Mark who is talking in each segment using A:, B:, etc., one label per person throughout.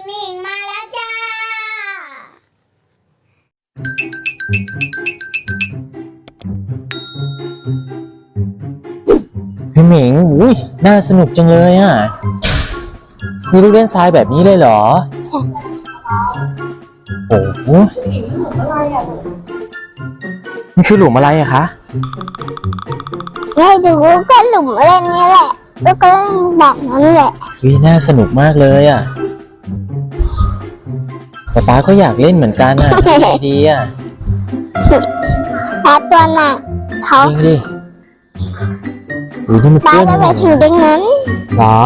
A: หมิงมาแล้วจ้า
B: พี่หมิงอุ้ยน่าสนุกจังเลยอ่ะมีลูกเล่นทรายแบบนี้เลยเหรอใช่โอ้โหมันคือหลุมอะไรอะคะ
A: ให้ดูก็หลุมเล่นนี่แหละแล้วก็เล่นแบบนั้นแหละ
B: วิน่าสนุกมากเลยอ่ะป๊าก็อยากเล่นเหมือนกันอ่ะทำไงดีอ่ะ
A: ป๊าตัวหนักเขา
B: จริงดิอุ้ยนี่มัน
A: ป๊า
B: เพื่อน
A: จะไปถึงตรงนั้น
B: เหรอ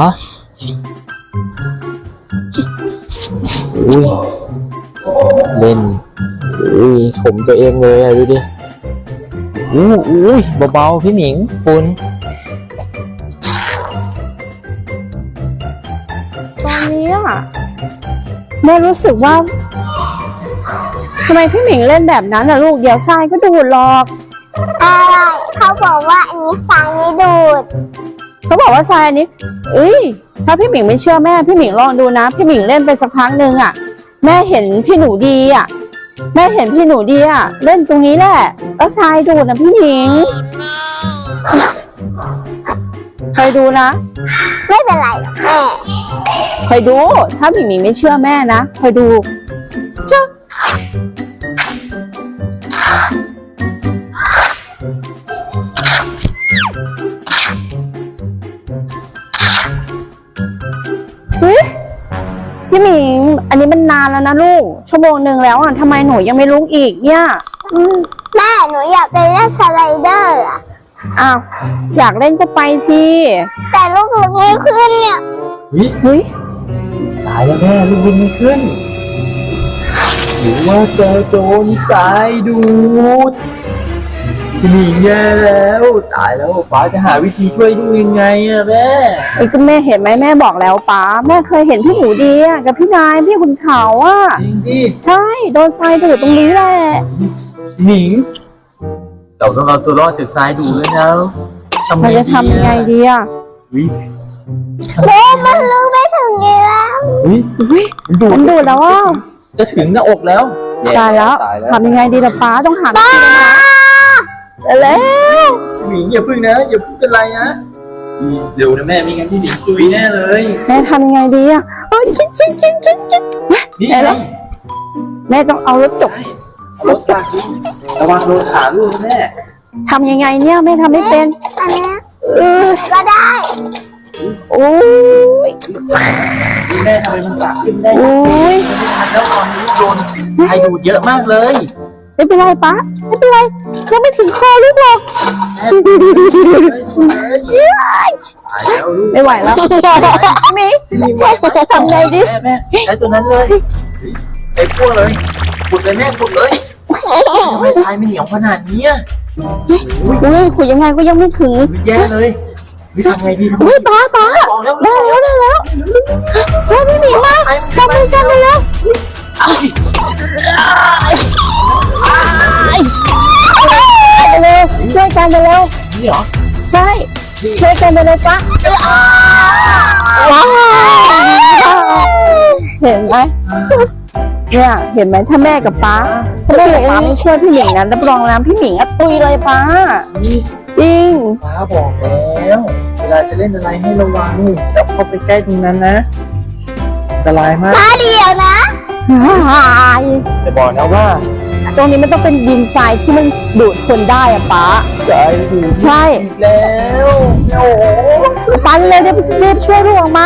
B: อุ้ยเล่นอุ้ยผมตัวเองเลยอ่ะดูดิอุ้ยเบาๆพี่หมิงฝุ่น
C: ตอนนี้อะแม่รู้สึกว่าทำไมพี่หมิงเล่นแบบนั้นอะลูกเดี๋ยวทรายก็ดูดหรอก
A: อะไรเขาบอกว่าอันนี้ทรายไม่ดูด
C: เขาบอกว่าทรายอันนี้ถ้าพี่หมิงไม่เชื่อแม่พี่หมิงลองดูนะพี่หมิงเล่นไปสักพักนึงอะแม่เห็นพี่หนูดีอะเล่นตรงนี้แหละแล้วทรายดูดนะพี่หมิงเคยดูนะ
A: ไม่เป็นไรหรอกแม่
C: เคยดูถ้าพี่หมิงไม่เชื่อแม่นะเคยดูจ้าพี่หมิงอันนี้มันนานแล้วนะลูกชั่วโมงนึงแล้วอ่ะทำไมหนูยังไม่ลุกอีกเนี่ย
A: แม่หนูอยากไปเล่นสไลเดอร์อ่ะ
C: อ้าวอยากเล่นก็ไปสิ
A: แต่ลูกลุกไม่ขึ้นเนี่ย
C: เฮ้ย
B: ตายแล้วแม่ลูกวิ่งไม่ขึ้นหรือว่าจะโดนสายดูดพี่หมิงแย่แล้วตายแล้วป้าจะหาวิธีช่วยดูยังไงอะแม่
C: ก็แม่เห็นไหมแม่บอกแล้วป้าแม่เคยเห็นพี่หนูดีอะกับพี่นายพี่ขุนเขาอะ
B: จริงดิ
C: ใช่โดนทรายดูดตรงนี้แหละ
B: หมิงเราต้องเอาตัวรอดจากทรายดูดแล้วนะ
C: มันจะทำยังไงดีอะ
A: โอ้มันลุกไม่ถึงนี่แล้ว
C: มันดูดแล้วอ่ะ
B: จะถึงหน้าอกแล้ว
C: ตายแล้วทำยังไงดีล่ะป้าต้องหาวิธีแล้ว
B: หมิงอย่าพึ่งนะอย่าพึ่งเป็นไรนะเดี๋ยวนะแม่ไม่งั้นพี่หมิงตุยแน่เลย
C: แม่ทำยังไงดีอ่ะคิด
B: นี่ไง
C: แม่ต้องเอารถจบ
B: รถปากระวังโดนขาลูกแม่
C: ทำยังไงเนี่ยแม่ทำไม่เป็น
A: อันนี้ก็ได้
C: โอ้ย
B: แม่ทำไมมันปากขึ้นได้โอ้ยแล้วตอนนี้โดนใครดูดเยอะมากเลย
C: ไม่เป็นไรป้าไม่เป็นไรยังไม่ถึงคอลูกหรอกไม่ไหวแล้วมีทำไงดิ
B: แม่ใช้ตัวนั้นเลยไอ้พวกเลยขุดเลยแม่ขุดเลยทำไมทรายไม่เหนียวขนาดนี้
C: ขุดยังไงก็ยังไม่ถึง
B: แย่เลยทำไงดี
C: ป้าได้แล้วพี่หมีมาจับเลยแล้วช่วยกันไปเร็ว
B: นี่เหรอ
C: ใช่ช่วยกันไปเลยป้าเห็นไหมเนี่ยเห็นไหมถ้าแม่กับป้าไม่ช่วยพี่หมิงนะรับรองน้ำพี่หมิงอะตุยเลยป้าจริง
B: ป้าบอกแล้วเวลาจะเล่นอะไรให้ระวังแล้วเข้าไปใกล้ตรงนั้นนะอันตรายมาก
A: ป้าเดียวนะ
B: แต่บอกนะว่า
C: ตรงนี้มันต้องเป็นดินทรายที่มันดูดคนได้อะป้าใช่
B: อีกแล้วโอ้โห
C: ปั้นเลยรีบช่วยลูกออกมา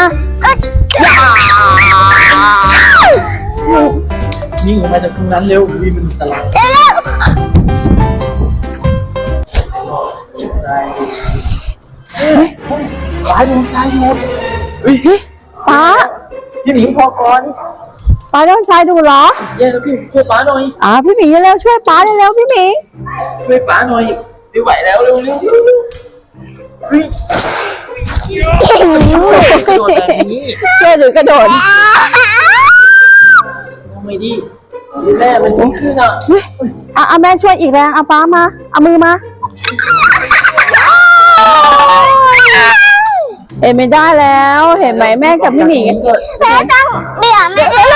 B: ยิงออกมาจากตรงนั้นเร็ววีมันตลาดสายดูสายดู
C: ป้า
B: พี่หมิงพอก่อน
C: ป้าโดนทรายดูเหรอ
B: แย่แล้วพี่ช่วยป้าหน่อย
C: พี่หมิงเร็วช่วยป้าเร็วพี่หมิง
B: ช่วยป้าหน่อยไม่ไหวแล้วเร็วเฮ้ยกระโดดแบบนี้
C: ช่วยหรือกระโดด
B: ทำไมดีแม่มันขึ้น
C: แม่ช่วยอีกแรงป้ามาเอามือมาเห็นไม่ได้แล้วเห็นไหมแม่กับพี่หมิง
A: แม่ต้องเดี๋ยวแม่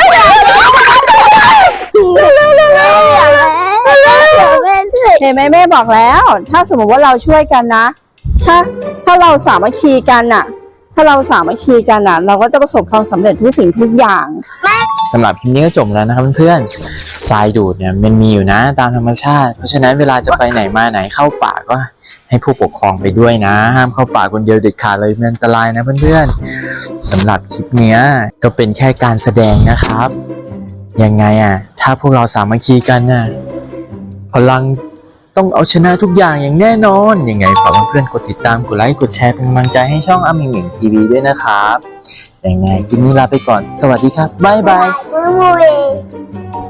C: เห็นไหมแม่บอกแล้ว ถ้าสมมติว่าเราช่วยกันนะถ้าเราสามัคคีกันน่ะ เราก็จะประสบความสำเร็จทุกสิ่งทุกอย่าง
B: สำหรับคลิปนี้ก็จบแล้วนะครับเพื่อนๆทรายดูดเนี่ยมันมีอยู่นะตามธรรมชาติ เพราะฉะนั้นเวลาจะไปไหนมาไหนเข้าป่าก็ให้ผู้ปกครองไปด้วยนะห้ามเข้าป่าคนเดียวเด็ดขาดเลยมันอันตรายนะเพื่อนๆสำหรับคลิปเนี้ยก็เป็นแค่การแสดงนะครับยังไงถ้าพวกเราสามัคคีกันพลังต้องเอาชนะทุกอย่างอย่างแน่นอนยังไงฝากเพื่อนๆกดติดตามกดไลค์กดแชร์เป็นกำลังใจให้ช่องอามิงหมิงทีวีด้วยนะครับยังไงคลิปนี้ลาไปก่อนสวัสดีครับบ๊ายบาย
A: มุ้ย